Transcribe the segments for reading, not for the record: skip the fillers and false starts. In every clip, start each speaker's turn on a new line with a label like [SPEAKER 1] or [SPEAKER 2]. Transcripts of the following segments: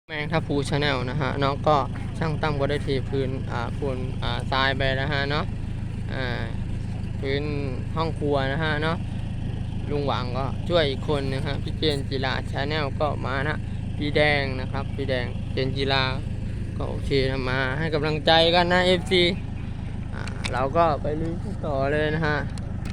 [SPEAKER 1] แมงทับพูชาแนลนะฮะเนาะก็ช่างตั้มก็ได้เทพื้นปูนทรายไปนะฮะเนาะพื้นห้องครัวนะฮะเนาะลุงหวังก็ช่วยอีกคนนะฮะพี่เจนจิราชาแนลก็มานะพี่แดงนะครับพี่แดงเจนจิราก็โอเคนะมาให้กำลังใจกันนะ FC เราก็ไปลุยต่อเลยนะฮะ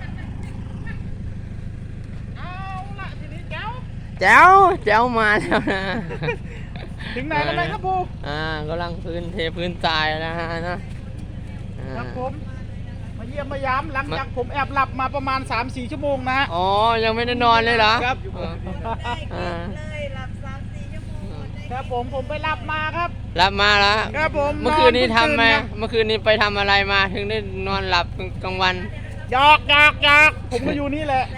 [SPEAKER 2] เอาละทีนี้แจ๋ว
[SPEAKER 1] แจ๋วมาแล้วนะ
[SPEAKER 2] ถึงไหนแล้วไหมครับปู
[SPEAKER 1] กำลังเทพื้นทรายนะฮะนะครับ
[SPEAKER 2] ผมมาเยี่ยมมายามหลังจากผมแอบหลับมาประมาณ 3-4 ชั่วโมงนะฮะ
[SPEAKER 1] อ๋อยังไม่ได้นอนเลยเหรอ
[SPEAKER 2] ครับ
[SPEAKER 3] เลยหลับ3-4 ชั่วโมง
[SPEAKER 2] ครับผมไปหลับมาครับ
[SPEAKER 1] รับมาแล้ว
[SPEAKER 2] ครับผม
[SPEAKER 1] เมื่อคืนนี้ทำไหมเมื่อคืนนี้ไปทำอะไรมาถึงได้นอนหลับกลางวัน
[SPEAKER 2] หยอกผมก็อยู่นี่แหละ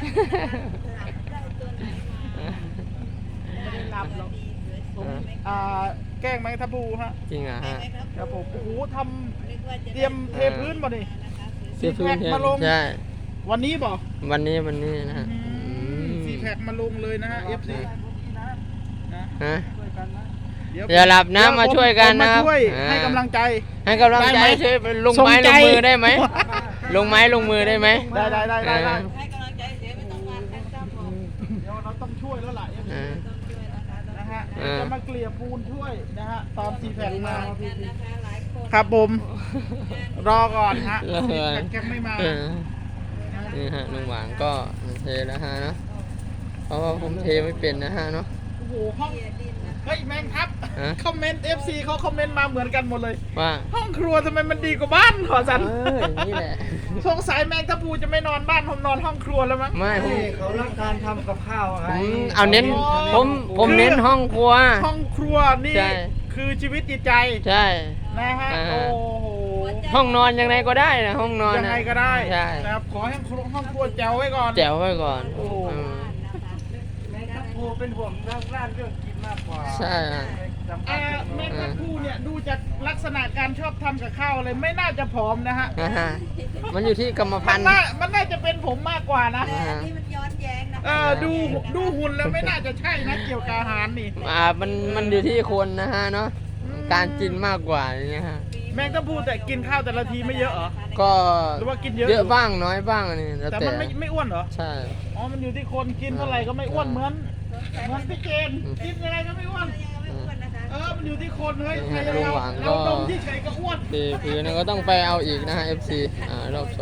[SPEAKER 2] ไม่ได้หลับหรอกผมแกล้งไหมทับปูฮะ
[SPEAKER 1] จริงอ่ะฮะ
[SPEAKER 2] ครับผมโอ้โหทำเตรียมเทพื้นบ่ดิ
[SPEAKER 1] เทพื้น
[SPEAKER 2] มาลง
[SPEAKER 1] ใช่
[SPEAKER 2] วันนี้บ่
[SPEAKER 1] วันนี้นะฮะ
[SPEAKER 2] 4 แพ็คมาลงเลยนะฮะ FC
[SPEAKER 1] ฮะอย่าหลับนะมาช่วยกันนะ
[SPEAKER 2] ช่วยให้กำลังใจ
[SPEAKER 1] ช่วยลงไม้ลงมือได้ไหมลงไม้ลงมือได้ไหม
[SPEAKER 2] ได้
[SPEAKER 3] ให้กำลังใจเสียไม่ต้องมาครับผม
[SPEAKER 2] เดี๋ยวเราต้องช่วยแล้วล่ะนะฮะจะมาเกลี่ยปูนช่วยนะฮะตอน4 แผ่นมาครับผมรอก่อนฮะแกไม่มา
[SPEAKER 1] นี่ฮะลุงหวางก็เทแล้วฮะเนาะเพราะว่าผมเทไม่เป็นนะฮะเนาะ
[SPEAKER 2] โอ้โหห้องเฮ้ยแมงครับคอมเมนต์ FC เขาคอมเมนต์มาเหมือนกันหมดเลย
[SPEAKER 1] ว่า
[SPEAKER 2] ห้องครัวทำไมมันดีกว่าบ้านขอสัน
[SPEAKER 1] นี่แหละ
[SPEAKER 2] สงสัยแมงทับพูจะไม่นอนบ้านผมนอนห้องครัวแล้วมั้ง
[SPEAKER 1] ไม่
[SPEAKER 4] เขารักการทำกับข้าวอะไร
[SPEAKER 1] เอาเน้นผมเน้นห้องครัว
[SPEAKER 2] นี่คือชีวิตจิตใจ
[SPEAKER 1] ใช่
[SPEAKER 2] นะฮะโอ้โห
[SPEAKER 1] ห้องนอนยังไงก็ได้นะห้องนอน
[SPEAKER 2] ยังไงก็ได้
[SPEAKER 1] ใช่
[SPEAKER 2] นะครับขอให้ห้องครัวแจ๋วไว้ก่อน
[SPEAKER 1] โอ้
[SPEAKER 4] แม่ทัพพูเป็นห่วงเรื่องเรื่องกินมากกว่า
[SPEAKER 1] ใช่
[SPEAKER 2] แม่ทัพพูเนี่ยดูจากลักษณะการชอบทำกับข้าวเลยไม่น่าจะผอมนะฮะ
[SPEAKER 1] มันอยู่ที่กรรมพันธุ์
[SPEAKER 2] มันน่าจะเป็นผมมากกว่านะ
[SPEAKER 3] นี่มันย้อนแย้งนะ
[SPEAKER 2] ดูหุ่นแล้วไม่น่าจะใช่นะเกี่ยวกับอาหารนี่
[SPEAKER 1] มันอยู่ที่คนนะฮะเนาะการกินมากกว่านี่ฮะ
[SPEAKER 2] แมงทัพพูแต่กินข้าวแต่ละทีไม่เยอะเหรอ
[SPEAKER 1] ก็
[SPEAKER 2] หรือว่ากินเย
[SPEAKER 1] อะบ้างน้อยบ้างนี่
[SPEAKER 2] แต่มันไม่อ้วนเหรอ
[SPEAKER 1] ใช่
[SPEAKER 2] อ๋อมันอยู่ที่คนกินเท่าไหร่ก็ไม่อ้วนเหมือนพี่เจนกินอะไรก็ไม่อ้วนมันอยู่ที่คนเฮ้ยเราดมที่เฉยก็อ้วน
[SPEAKER 1] คือนั่นก็ต้องไปเอาอีกนะฮะ FC รอบ2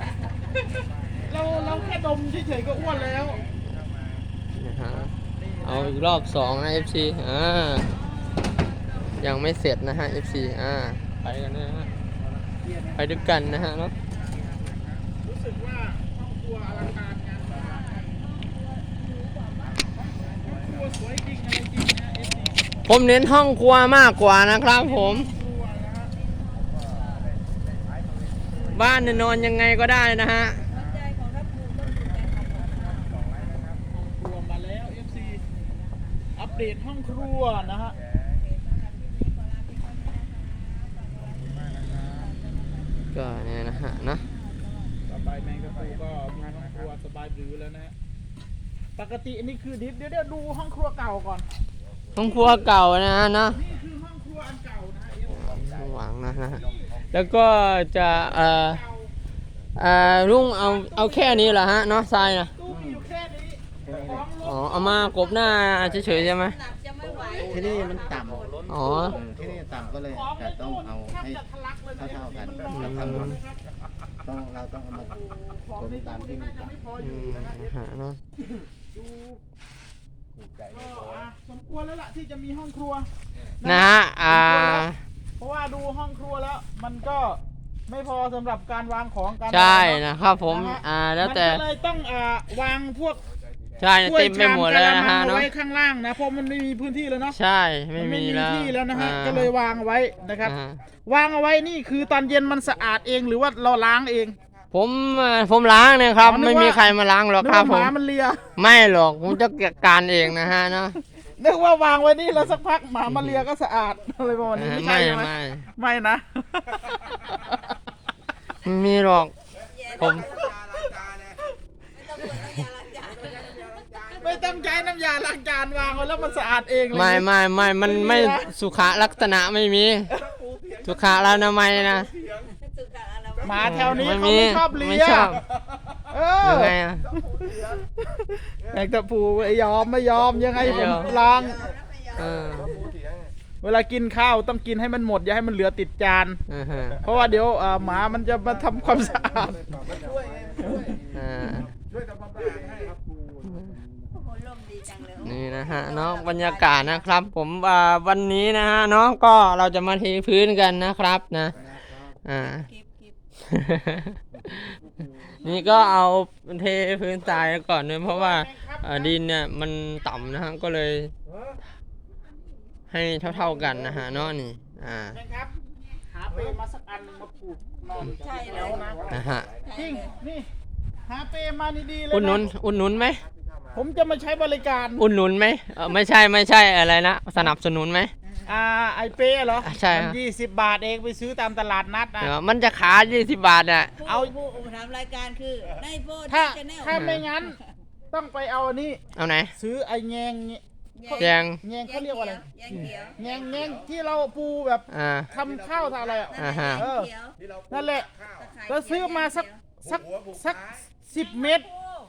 [SPEAKER 2] เราแค่ดมที่เฉยก็อ้วนแล้ว
[SPEAKER 1] นะฮะเอาอีกรอบ2นะ FC ยังไม่เสร็จนะฮะ FC ไปกันนะฮะไปด้วยกันนะฮะเนาะ
[SPEAKER 2] รู้สึกว่าห้องครัวอลังการงานสร้างห้องครัวสวยจริงอะไรจริงนะ FC
[SPEAKER 1] ผมเน้นห้องครัวมากกว่านะครับผมบ้านนอนยังไงก็ได้นะฮะ
[SPEAKER 2] ครัวมาแล้ว FC อัปเดตห้องครัวนะฮะ
[SPEAKER 1] ก็เนี่ยนะฮะนะ
[SPEAKER 2] สบายแมงกะพรุนก็งานห้องครัวสบายหรือแล้วนะฮะปกติอันนี้คือดิฟเดี๋ยวดูห้องครัวเก่าก่อน
[SPEAKER 1] ห้องครัวเก่านะฮะนะ
[SPEAKER 2] นี่คือห้องครัวอันเก่านะ
[SPEAKER 1] หวังนะฮะแล้วก็จะลุงเอาแค่นี้เหรอฮะเนาะทรายนะ
[SPEAKER 2] ตู้มีอยู่แค่นี้
[SPEAKER 1] เอามากบหน้าเฉยๆใช่ไหม
[SPEAKER 4] ที่นี่มันต่ำที่นี่ต่ำก็เลยแต่ต้องเอาให้เท่ากันเราต้องเอามาคนตามที่มันต่
[SPEAKER 1] ำเนาะ
[SPEAKER 2] สมควรแล้วล่ะที่จะมีห้องครัว
[SPEAKER 1] นะฮะ
[SPEAKER 2] เพราะว่าดูห้องครัวแล้วมันก็ไม่พอสำหรับการวางของกัน
[SPEAKER 1] ใช่นะครับผมแล้วแต่
[SPEAKER 2] มันก็เลยต้องวางพวก
[SPEAKER 1] ใช่เต็มไปหมดแล้วนะฮะเนาะ
[SPEAKER 2] ไว้ข้างล่างนะเพราะมันไม่มีพื้นที่แล้วเนาะ
[SPEAKER 1] ใช่ไม่มี
[SPEAKER 2] ที่แล้วนะฮะก็เลยวางไว้นะครับวางเอาไว้นี่คือตอนเย็นมันสะอาดเองหรือว่าเราล้างเอง
[SPEAKER 1] ผมล้างเนี่ยครับไม่มีใครมาล้างหรอกครับผม
[SPEAKER 2] มันเลีย
[SPEAKER 1] ไม่หรอกผมจะจัดการเองนะฮะเนาะ
[SPEAKER 2] นึกว่าวางไว้นี่แล้วสักพักหมามาเลียก็สะอาดอะไรประมาณนี้ไม่ใช่ไหมไม่นะ
[SPEAKER 1] มีหรอกผม
[SPEAKER 2] ไม่ต้ต้องใช้น้ำยาล้างจานวางไว้แล้วมันสะอาดเองเลย
[SPEAKER 1] ไม่มันไม่สุขลักษณะไม่มีสุขอนามัยนะ
[SPEAKER 3] สุขอะไร
[SPEAKER 2] หมาแถวนี้
[SPEAKER 1] ไม่
[SPEAKER 2] เขา
[SPEAKER 1] มี
[SPEAKER 2] ไม่ชอบเลี
[SPEAKER 1] ไม่
[SPEAKER 2] ย
[SPEAKER 1] ชอบ
[SPEAKER 2] เออ
[SPEAKER 1] ยังไงอะ
[SPEAKER 2] แมงตะพูไม่ยอมยังไง
[SPEAKER 1] ไม่
[SPEAKER 2] ผ
[SPEAKER 1] ย
[SPEAKER 2] ม
[SPEAKER 1] อม
[SPEAKER 2] ล้าง
[SPEAKER 1] เออ
[SPEAKER 2] เวลากินข้าวต้องกินให้มันหมดอย่าให้มันเหลือติดจาน
[SPEAKER 1] ฮะ
[SPEAKER 2] เพราะว่าเดี๋ยวหมามันจะมาทำความสะอาด
[SPEAKER 1] อ่า
[SPEAKER 3] โอ้โหลมดีจังเลย
[SPEAKER 1] นี่นะฮะเนาะบรรยากาศนะครับ ผมวันนี้นะฮะเนาะก็เราจะมาเทพื้นกันนะครับนะ
[SPEAKER 3] กิบ
[SPEAKER 1] นี่ก็เอาเทพื้นทรายก่อนเลยเพราะว่าดินเนี่ยมันต่ำนะฮะก็เลย ให้เท่าๆกันนะฮะเนาะนี่
[SPEAKER 2] นะครับ หาเปรมาสักอันหนึงมาผูกนอน
[SPEAKER 3] ใช่เล
[SPEAKER 2] แล้ว
[SPEAKER 3] ย
[SPEAKER 2] นะ
[SPEAKER 1] นะฮะ
[SPEAKER 2] จริงนี่หาเปรมานี่ดีเลย
[SPEAKER 1] อุ่นหนุน
[SPEAKER 2] นะ
[SPEAKER 1] อุ่นหนุนไหม
[SPEAKER 2] ผมจะมาใช้บริการ
[SPEAKER 1] อุ่นหนุนไหมไม่ใช่อะไรนะสนับสนุนไหม
[SPEAKER 2] ไอเป้เหรอ
[SPEAKER 1] ใช่
[SPEAKER 2] มัน20 บาทเองไปซื้อตามตลาดนัดนะ
[SPEAKER 1] มันจะขา20 บาทอ่ะ
[SPEAKER 3] ผู้ทำรายการคือในโพส
[SPEAKER 2] ถ้า
[SPEAKER 3] ชแนล
[SPEAKER 2] ถ้าไม่งั้น ต้องไปเอาอันนี้
[SPEAKER 1] เอาไหน
[SPEAKER 2] ซื้อไอแงง
[SPEAKER 1] แยง
[SPEAKER 2] แงงเขาเรียกว่าอะไร
[SPEAKER 3] แยงเขียว
[SPEAKER 2] แงงที่เราปูแบบ ทำข้าวทำอะไรอ่ะ
[SPEAKER 1] อ่าฮะ
[SPEAKER 2] เออ
[SPEAKER 3] เขียว
[SPEAKER 2] นั่นแหละเราซื้อมาสัก10 เม็ด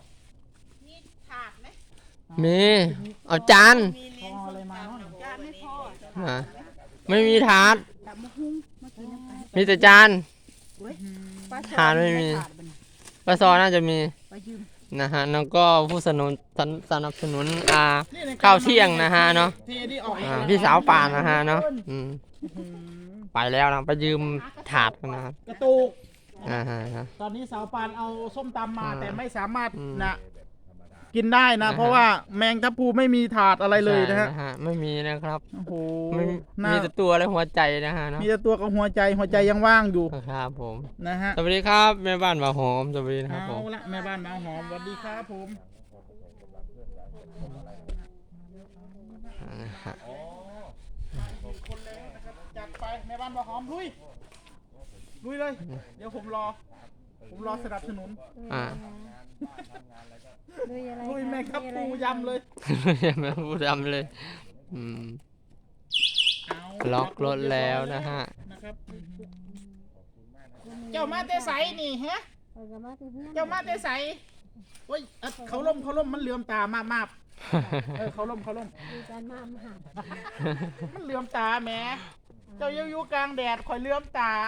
[SPEAKER 1] มีเอาจาน
[SPEAKER 3] มีเลี้ยง
[SPEAKER 2] พออะไรมาเนอะ
[SPEAKER 3] จานไม่พอ
[SPEAKER 1] ไม่มีถาดมีแต่จานถาดไม่มีปลาซอน่าจะมีนะฮะแล้วก็ผู้สนับสนุนข้าวเที่ยงนะฮะเนาะ
[SPEAKER 2] ที่นี่ออก
[SPEAKER 1] พี่สาวป่านนะฮะเนาะไปแล้วนะไปยืมถาดกันนะครับ
[SPEAKER 2] กระตุก
[SPEAKER 1] ฮะ
[SPEAKER 2] ตอนนี้สาวปานเอาส้มตำมา
[SPEAKER 1] อ่า
[SPEAKER 2] แต่ไม่สามารถ
[SPEAKER 1] อืม
[SPEAKER 2] นะกินได้นะ
[SPEAKER 1] นะฮะ
[SPEAKER 2] เพราะว่าแมงทับพลูไม่มีถาดอะไรเลยนะฮะ
[SPEAKER 1] ใช่ไม่มีนะครับ
[SPEAKER 2] โอ้โห
[SPEAKER 1] ไม่
[SPEAKER 2] น่า
[SPEAKER 1] มีแต่ตัวและหัวใจนะฮะเนาะ
[SPEAKER 2] มีแต่ตัวกับหัวใจยังว่างอยู่
[SPEAKER 1] ครับผม
[SPEAKER 2] นะฮะ
[SPEAKER 1] สวัสดีครับแม่บ้านบ่าวหอมสวัสดีนะครับผ
[SPEAKER 2] เอา
[SPEAKER 1] ม
[SPEAKER 2] ละแม่บ้านมาหอมสวัสดีครับผม
[SPEAKER 1] นะฮะ
[SPEAKER 2] คนแล้วนะครับจัดไปแม่บ้านมาหอมลุยเลย เดี๋ยวผมรอสนับสนุน
[SPEAKER 1] อ่า
[SPEAKER 2] ลุยแม่ครับปูยำเลย
[SPEAKER 1] อย่ามาพูดดำเลยล็อกรถแล้วนะฮะ
[SPEAKER 2] นะครับเจ้ามาเตใสนี่ฮะเจ้ามาเตใสโอ้ยเขาล่มมันเหลื่อมตามากเขาล่มมันเหลื่อมตาแหมเจ้าอยู่กลางแดดคอยเหลื่อมตา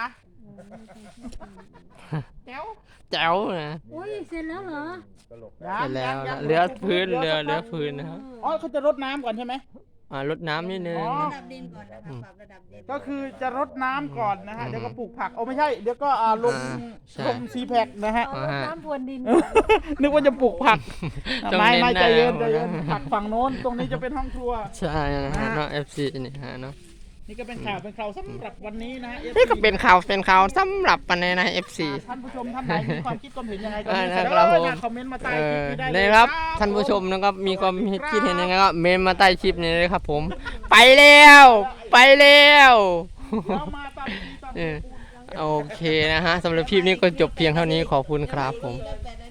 [SPEAKER 2] แจ๋ว
[SPEAKER 1] แจ๋วนะ
[SPEAKER 5] อุ้ยเสร็จแล้วเหรอ
[SPEAKER 1] เสร็จแล้วนะเหลือพื้นเหลือพื้นนะครับ
[SPEAKER 2] อ๋อเขาจะรดน้ำก่อนใช่ไหม
[SPEAKER 1] รดน้ำนิดนึง
[SPEAKER 2] อ๋อ
[SPEAKER 3] ระดับดินก่อนนะคะปรับระดับดิน
[SPEAKER 2] ก็คือจะรดน้ำก่อนนะฮะ เดี๋ยวก็ปลูกผักไม่ใช่ เดี๋ยวก็ลง
[SPEAKER 1] ใช่
[SPEAKER 2] ซีแพคนะฮะ
[SPEAKER 5] เอารดน้ำพรวนดิน
[SPEAKER 2] นึกว่าจะปลูกผัก
[SPEAKER 1] ต้อง
[SPEAKER 2] ไม่
[SPEAKER 1] เน้น
[SPEAKER 2] ใจเย็น
[SPEAKER 1] นะ
[SPEAKER 2] ใจเย็นผักฝั่งโน้น ตรงนี้จะเป็นห้องครัว
[SPEAKER 1] ใช่นะฮะเนาะ FC นี่ฮะเนาะ
[SPEAKER 2] นี่ก็เป็นข่าวสำหรับวันนี้นะฮะ
[SPEAKER 1] นี่ก็เป็นข่าวสำหรับปันในนะ FC
[SPEAKER 2] ท่านผู้ชมท่านไหนมีความคิดความเห็นยังไงก็
[SPEAKER 1] นะครับผม
[SPEAKER 2] คอมเมนต์มาใต้คลิปนี้ได้เลย
[SPEAKER 1] นะครับท่านผู้ชมนะครับมีความคิดเห็นยังไงก็เมนมาใต้คลิปนี้เลยครับผม ไปแล้ว
[SPEAKER 2] เรามาตามที่ตาม
[SPEAKER 1] โอเคนะฮะสำหรับคลิปนี้ก็จบเพียงเท่านี้ขอบคุณครับผม
[SPEAKER 3] แต่